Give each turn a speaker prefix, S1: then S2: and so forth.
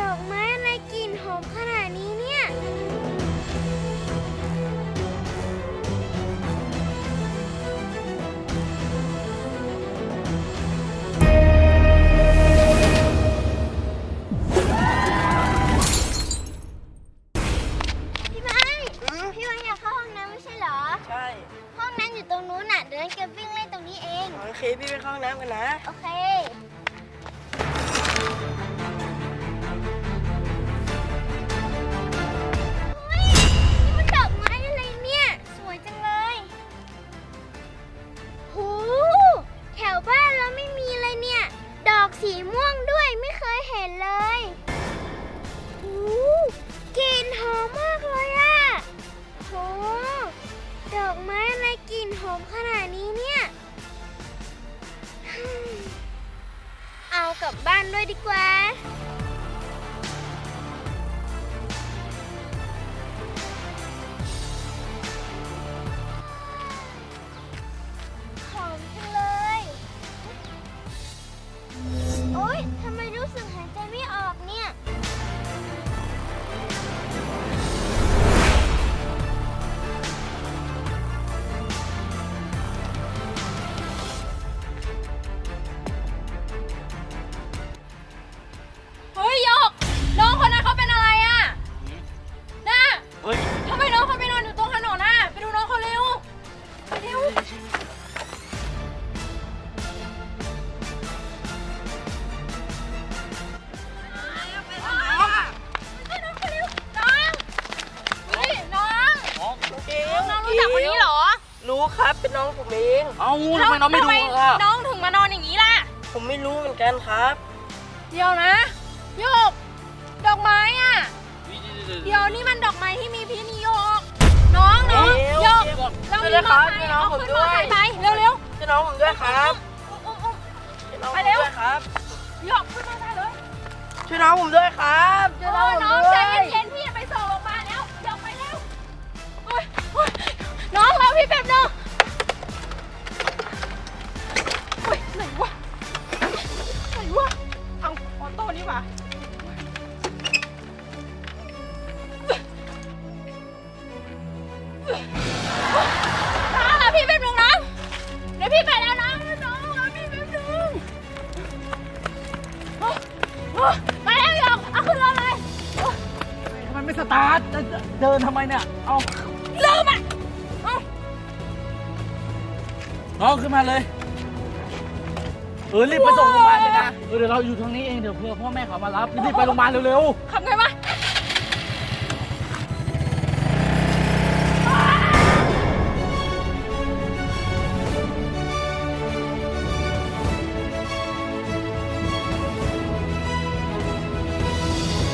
S1: อกไม้อะไรกลิ่นหอมขนาดนี้เนี่ยพี่ไม้อยากเข้าห้องน้ำไม่ใช่เหรอ
S2: ใช่
S1: ห้องน้ำอยู่ตรงนู้นน่ะเดินเก็บวิ่งเล่นตรงนี้เอง
S2: โอเคพี่ไปเข้าห้องน้ำกันนะ
S1: โอเคสีม่วงด้วยไม่เคยเห็นเลยกลิ่นหอมมากเลยอะโหดอกไม้อะไรกลิ่นหอมขนาดนี้เนี่ยเอากลับบ้านด้วยดีกว่าหอมจังเลยโอ๊ยทำไมรู้สึกหายใจไม่ออกเนี่ย
S3: เฮ้ยหยกน้องคนนั้นเขาเป็นอะไรอ่ะน่ะทำไมน้องเขาไปนอนอยู่ตรงถนนน่ะไปดูน้องเขาเร็วไปเร็วรู้จักคนนี้เหรอ
S2: รู้ครับเป็นน้องผมเอง
S4: เอ้าทำไมน้องไม่ดูอ่ะ
S3: น้องถึงมานอนอย่างนี้ล่ะ
S2: ผมไม่รู้เหมือนกันครับ
S3: เดี๋ยวนะโยกดอกไม้อ่ะเดี๋ยวนี่มันดอกไม้ที่มีพิษนี่โยกน้องโยกเรามีมอเตอร์ไซค์เอาขึ้นมอเตอร์ไซค์ไปเร็ว
S2: ช่วยน้องผมด้วยครับ
S3: ไปเร็ว
S2: ครับ
S3: โยกขึ้นมอเตอร์ไซค์เลย
S2: ช่วยน้องผมด้วยครับ
S3: น้องใจเย็นๆพี่ไปส่งโรงพยาบาลแล้วโยกไปเร็วน้องเราพี่แบบนึงไหนวะเอาออโต้นี่ว่ะพี่เป็นมึงนะเดี๋ยวพี่ไปแล้วนะน้องพี่เป็นมึงมาแล้วยองเอาขึ้นรถเลย
S4: ทำไมไม่สตาร์ทเดินทำไมเนี่ยเอา
S3: ลืมอ่ะ
S4: น้องขึ้นมาเลยรีบไปส่งโรงพยาบาลเลยนะเดี๋ยวเราอยู่ทางนี้เองเดี๋ยวเพื่อพ่อแม่เขามารับรีบไปโรงพยาบาลเร็ว
S3: ๆขับไงวะ